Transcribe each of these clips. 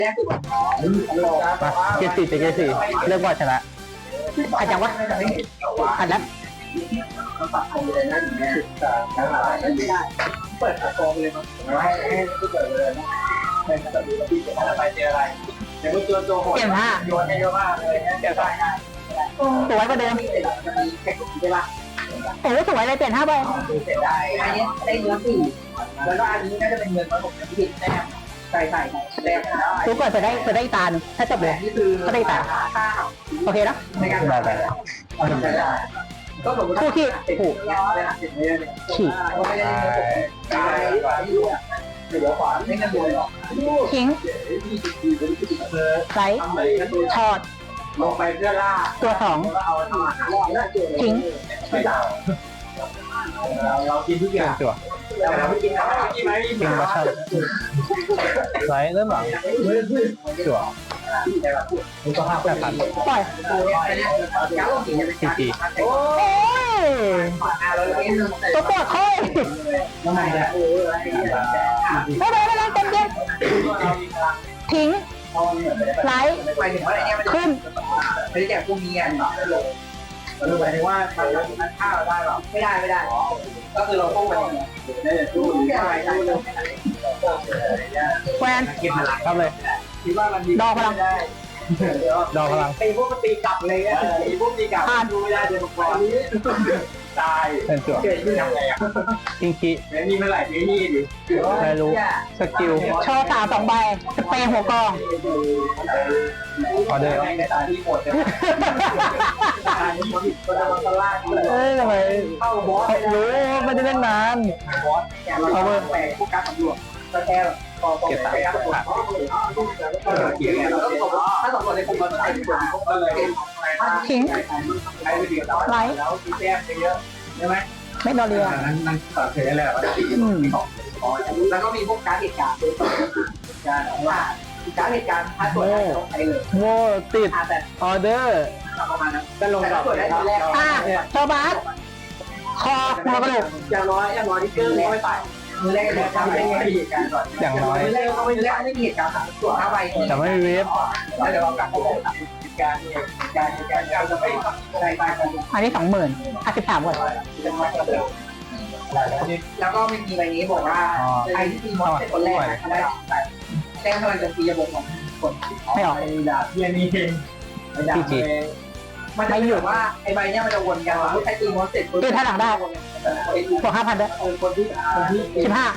เกสี่เกสี่เลือกว่าชนะอาจจะวะอันนั้นเปิดกองเลยมั้งให้เปิดเลยนะไปเจออะไรเดี๋ยวตัวโหดโยนให้เยอะมากเลยเดี๋ยวได้สวยกว่าเดิมจะมีแค่กลุ่มใช่ปะโอ้สวยเลยเปลี่ยน5 ใบเสร็จได้อันนี้ได้เงิน4แล้วก็อันนี้น่าจะเป็นเงินมาผมจะผิดแน่ใส่แต้มได้ทุกคนจะได้ตาหนึ่งถ้าจบเลยก็ได้ตาโอเคนะในการได้ก็ผมคู่ขี้ผูกขี่เดี๋ยวขวาไม่งั้นโดนหรอกทิ้งไซส์ถอดลงไปเพื่อล่าตัว2ทิ้งเรากินทุกอย่างตัวเราไม่กินอะไรกินไหมทิ้งมาชั่นไซส์เริ่มหลังตัว8,000ปล่อยทีโอ้ยตัวปวดค่อยไม่ได้เต็มเย็นทิ้งไลท์ขึ้นไม่ได้แจกพวกนี้อ่ะหมายถึงว่ามันฆ่าเราได้หรอไม่ได้ก็คือเราต้องไปดูแวนทำเลยดอกพลังดอกพลังไอ้พวกมันตีกลับเลยอ่ะไอ้พวกตีกลับดูไม่ได้เดี๋ยวก่อนตายเป็นตัวเกิดขึ้นยังไงอ่ะอิงคิไม่มีเมื่อไหร่ไม่มีดิไม่รู้สกิลชอตา2 ใบสเปรย์หัวกองออเดอร์ในตาที่หมดเลยทำไมเข้าบอสรู้ไม่ได้เล่นนานบอสเราแปลกพวกการตำรวจก็แค่เก็บตังค์ถ้าสองคนในกลุ่มมันใช้ก็เลยทิ้งไลท์แล้วมีแต้มเยอะใช่ไหมไม่ดอเรียนั่นตัดเสียแล้วแล้วก็มีพวกการเหตุการณ์การว่าการเหตุการณ์ถ้าตัวไหนต้องใช้เลยโง่ติดออเดอร์ประมาณนั้นก็ลงกับชอบาสคอหัวกระโหลกอย่างน้อยที่เกินไม่ไปมือแรกเลยทำได้ไงเหตุการณ์ก่อนอย่างน้อยมือแรกเขาไม่แรกไม่มีเหตุการณ์ตัว5 ใบแต่ไม่มีเวฟแล้วเดี๋ยวเรากลับไปเหตุการณ์เราจะไม่อะไรไปกันอันนี้ 20,000 13 ก่อนแล้วก็ไม่มีใบนี้บอกว่าไอ้ที่ตีมอสเป็นคนแรกได้แจ้งพลังจะตีระบบของคนไม่ออกดาบเพียนี่เองดาบมันจะอยู่ว่าไอ้ใบเนี้ยมันจะวนกันว่าใช้ตีมอสเสร็จตีท่าหลังได้บวก 5,000 ด้วยคนที่ 15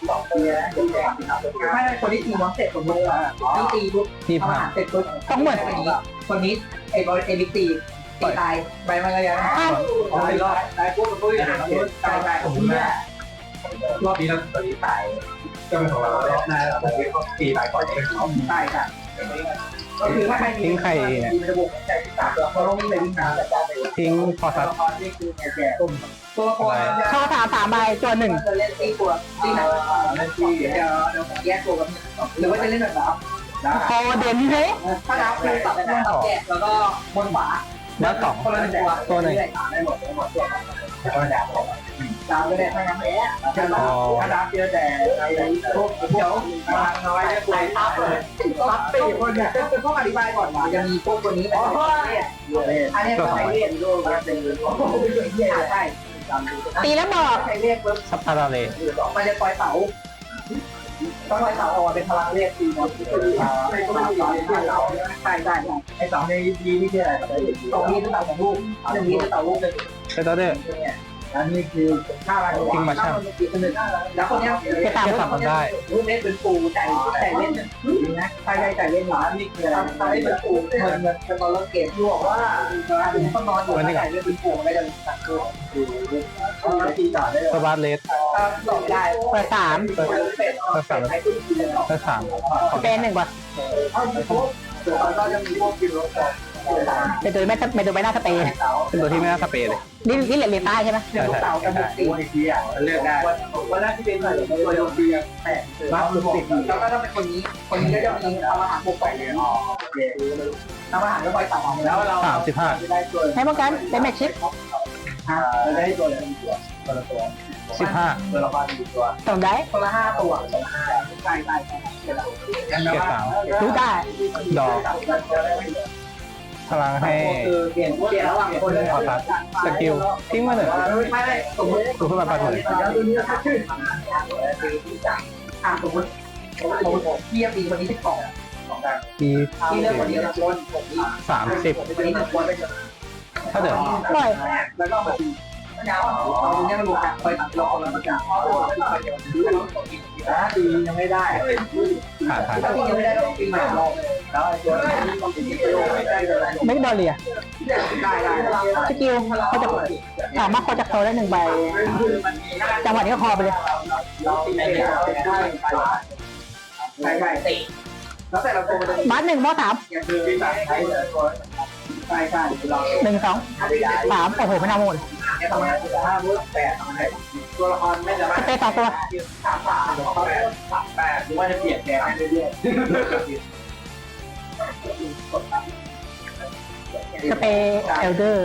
ไม่คนที่ตีมอสเสร็จสมมติที่ตีปุ๊บเสร็จปุ๊บคนนี้ไอ้บอลเอลิตีตายใบมันอะไรนะไม่รอดตายปุ๊บปุ๊บตายผมเนี่ยรอบนี้เราตอนนี้ตายก็เป็นของเรารอบหน้าเราต้องตีตายก่อนจะเป็นของตายค่ะก็คือถ้าใครทิ้งใครเนี่ยระบบใจที่ต่างเราต้องวิ่งไปวิ่งมาแต่ทิ้งพอสัตว์นี่คือแก่ต้มตัวละครชอบ3 ใบตัว 1 จะเล่นตีตัวตีหนักเล่นตีเดี๋ยวแยกตัวกันหรือว่าจะเล่นแบบพอเด่นเลยถ้านับคือตัดแยกแล้วก็บนขวาแล้ว2 คนละตัว 1 ได้หมดก็ดาบดาบก็ได้ทั้งนั้นแหละถ้าดาบเยอะแต่พวกเดี๋ยวมาน้อยได้ตับเลยตับตีคนเนี่ยเป็นพวกอธิบายก่อนว่าจะมีพวกตัวนี้แบบอันนี้ก็ใช้เรียนรู้กันเป็นใช่ตีแล้วบอกใช้เรียกเว็บสัปดาห์เลยมันจะปล่อยเสาต้องปล่อยเสาออกเป็นพลังเรียกตีมันไม่ต้องมีใช่ไอ้เสาในดีนี่คืออะไรตรงนี้เป็นเสาของลูกตรงนี้เป็นเสาลูกเลยเป็นตัวเด้ออันนี้คือค่าอะไรทิ้งมาช่างแล้วคนนี้จะตามมันได้ลูกเล่นเป็นปูใจเล่นนะใช่ใจเล่นหมานี่คืออะไรใจเล่นเป็นปูมันเป็นตอนเล่นเกมที่บอกว่าต้องนอนอยู่ใจเล่นเป็นปูไม่ได้ตัดตัวตีต่อได้สบาร์เลสต่อได้เปิด3เป็น1ก่อนก็จะมีพวกกินรถเป็นตัวไม่ตัวไม่น่าสเปรย์เป็นตัวที่ไม่น่าสเปรย์เลยนี่เหรียญใต้ใช่ไหมใช่เต่ากับบุกตีทีอ่ะเลือกได้วันแรกที่เป็นตัวโยนดีแต่รับบุกตีแล้วก็ต้องเป็นคนนี้ก็จะมีทำอาหารบุกไปเลยทำอาหารก็ไปต่อแล้วเรา 35ให้ป้องกันเป็นแม็กชิปได้ตัวละตัว 15 ตัวละตัวส่งได้ตัวละ5 ตัวใช่เกียร์สามรู้ได้ดอกพลังให้คือเปลี่ยนระหว่างคนเลยขอตัดสกิลทิ้งมาหนึ่งไม่สมมติดูขึ้นมาปัดหนึ่งสมมติพี่ตีคนนี้ที่2 ทีที่เลือกคนนี้นะคน 30 คนนี้1คนถ้าเดินปล่อยแล้วก็แบบเอาเนี่ยมันรวมกันคอยตัดล้อแล้วมันจะดียังไม่ได้ผ่านถ้าตียังไม่ได้ก็ตีใหม่รอบแล้วตัวนี้ต้องตีไม่ได้เลยไม่ดอเลียได้สกิลเขาจะสามารถเขาจะโคได้1 ใบจังหวะนี้ก็คอไปเลยเราตีไม่ได้ใช่ตีแล้วแต่เราโตมาบัส1 มอ 3 อย่างคือใช้ใช่เรา 1 2 3โอ้โหไม่น่าโมดเนี่ยทำไม5 8ทำไมตัวละครไม่จะสเปซ2 ตัว 8หรือว่าจะเปลี่ยนแกให้เรื่อยสเปซเอลเดอร์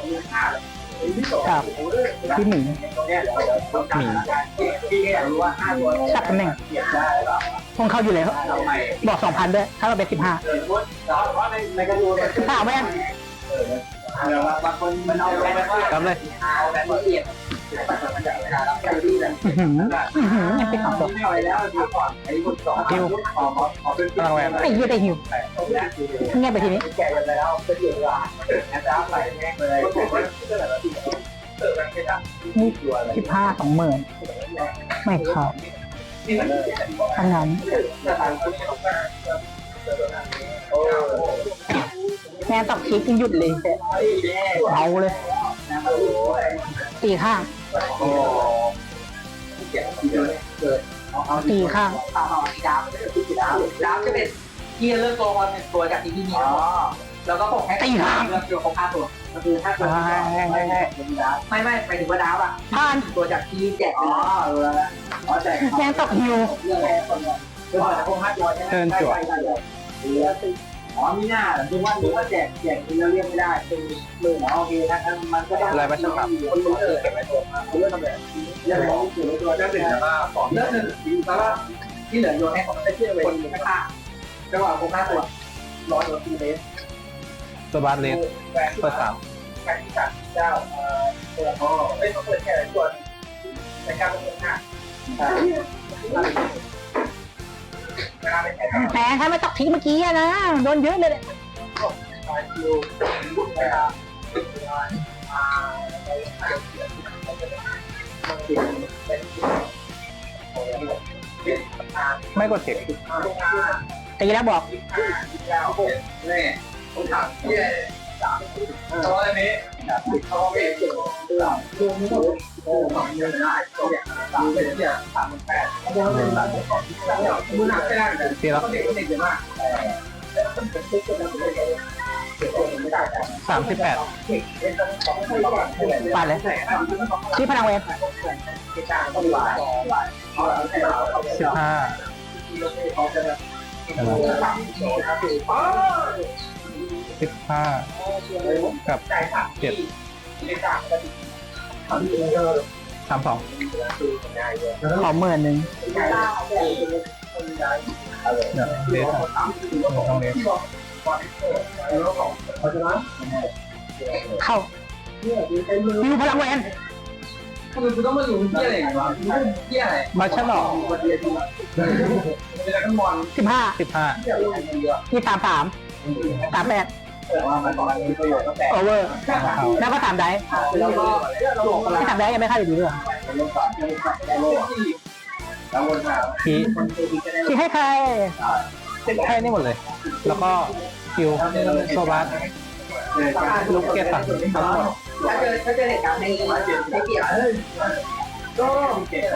กับพี่หมีหมีพี่ก็อยากรู้ว่า5ตัวสับตำแหน่งเปลี่ยนได้หรอคงเข้าอยู่แล้วบอก 2,000 ด้วย ถ้าเราเป็น 15 เพราะในกระดูก 15แม่นบางคนมันเอาไปกำเลยเอาแบบละเอียดมันจะเวลาเราไปที่นั่นยังเป็น2 ตัวไม่เอาแล้วดีก่อนไอ้คน2ขอเป็นพลังแหวนไอ้เหี้ยได้หิวเงียบไปทีนี้แก่กันแล้วเป็นเดือดร้อนแอบรับไปแม่งเลยนี่15 20,000ไม่เข้าทั้งนั้นแม่ตอกคลิปยังหยุดเลยเอาเลยตีข้างตีข้างดาวจะเป็นที่เลือกตัวบอลเป็นตัวจากที่พี่มีแล้วก็ผมให้เลือกตัวของ5ตัวก็คือ5ตัวไม่ไปถึงว่าดาวอ่ะผ่านตัวจากที่แจกแจกแม่ตอกฮิวเรื่องแรกคนคือว่าพวก5ตัวอ๋อมีหน้าดูว่าแจกแล้วเรียกไม่ได้เป็นมือโอเคนะมันก็ได้อะไรไม่ใช่ครับคนรู้เก็บไว้ตัวเรื่องทำแบบเรื่องของถือไว้ตัวได้เป็นแล้วก็ที่เหลือโยนให้คนไม่เชื่อเลยคนข้างๆจังหวะพวก5ตัว100 ตัวทีเมตรตัวบาสเลสเปิดแข่งที่เจ้าเปิดอ๋อไม่ต้องเปิดแค่ตัวในการเปิดหน้าแหมถ้าไม่ตอกทิ้งเมื่อกี้นะโดนเยอะเลยไม่กดเทคตีแล้วบอกนี่ผมถามที่ตัวนี้เขาไม่เกี่ยวรวมทั้งหมด2เดือนได้ตัวอย่างเป็นที่38มือหนักไม่ได้เลยทีแล้วเด็กเยอะมาก 38 ปาดเลยชี้พลังเวฟ 15กับ32 ขอ10,000 เลสต้องเลสเข้าฮิวพลังเวนคือต้องมาอยู่ที่อะไรวะที่อะไรมาฉลองเป็นอะไรกันบอล 15 15 นี่33 38 ว่ามันตอนนี้ประโยชน์ตั้งแต่โอเวอร์ แล้วก็3 ได้แล้วก็ที่3 ได้ยังไม่เข้าอยู่ดีเลยแล้ววนมาทีชี้ให้ใครให้นี่หมดเลย แล้วก็คิวโซบาสลูกเกตตัดทั้งหมดถ้าเจอเหตุการณ์ในเกี่ยวก็เก็บ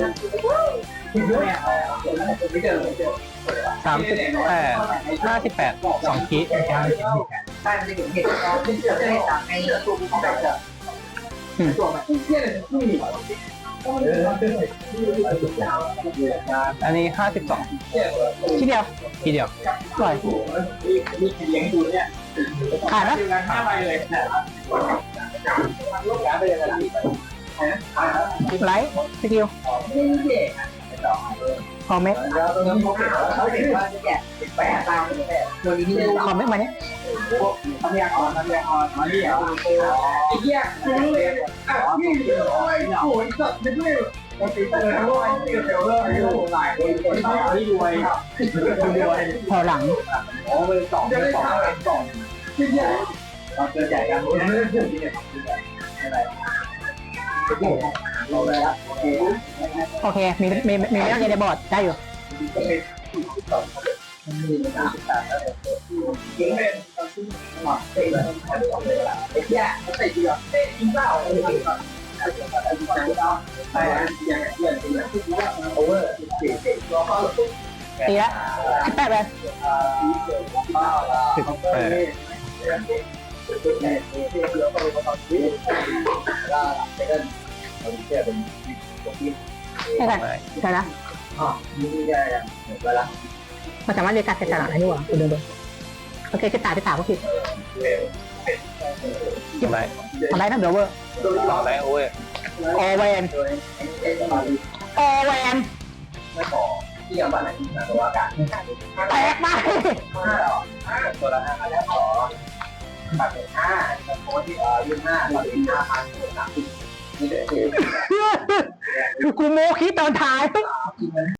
ไม่เจอ 38 58 2 คีใช่มันจะเห็นเหตุการณ์ที่เจอเหตุการณ์ในตัวของแบบตัวแบบที่เนี่ยที่มีอันนี้ 52 ทีเดียวทีเดียวปล่อยมีเลี้ยงดูเนี่ยขาดนะ 5 ใบเลยลูกหลานไปเลยนะไลท์สกิลนี่เด็กคอมเมกเขาเห็นว่าจะแกะแปะตามตัวนี้นี่คอมเมกมาเนี่ยทำยากรมาที่เหรอไอ้เหี้ยนี่โอ้ยโอ้ยสัตว์ไม่ด้วยมันติดเลยทั้งวันเกี่ยวกับเรื่องอายุหลายคนที่รวยแถวหลังอ๋อเป็นสองที่ใหญ่เราเจอใหญ่กันไม่ได้ที่เนี่ยอะไรเราเลยละโอเคโอเคมีไม่ต้องเรียนในบอร์ดได้อยู่ยิงเป็นหมักเตะเลยไอ้แย่เตะเดียวเตะยิงเปล่าไปอย่างเงี้ยโอเวอร์เตะตัวเขาตีละ18เลย 18 ได้กันได้ละอ๋อนี่ได้ยังเวลามันสามารถเรียนการเสร็จสลับได้ด้วยคุณดูโอเคคือตายไป3ก็ผิดอะไรอะไรนะเบลเวอร์อะไรโอ้ยออแวนออแวนไม่ขอที่ยังบ้านไหนนะตัวอากาศแตกไปตัวละ5แล้วขอตัดเป็น5โค้ดที่25ตัดเป็น5,000 30นี่เดี๋ยวคือกูโมคิดตอนท้าย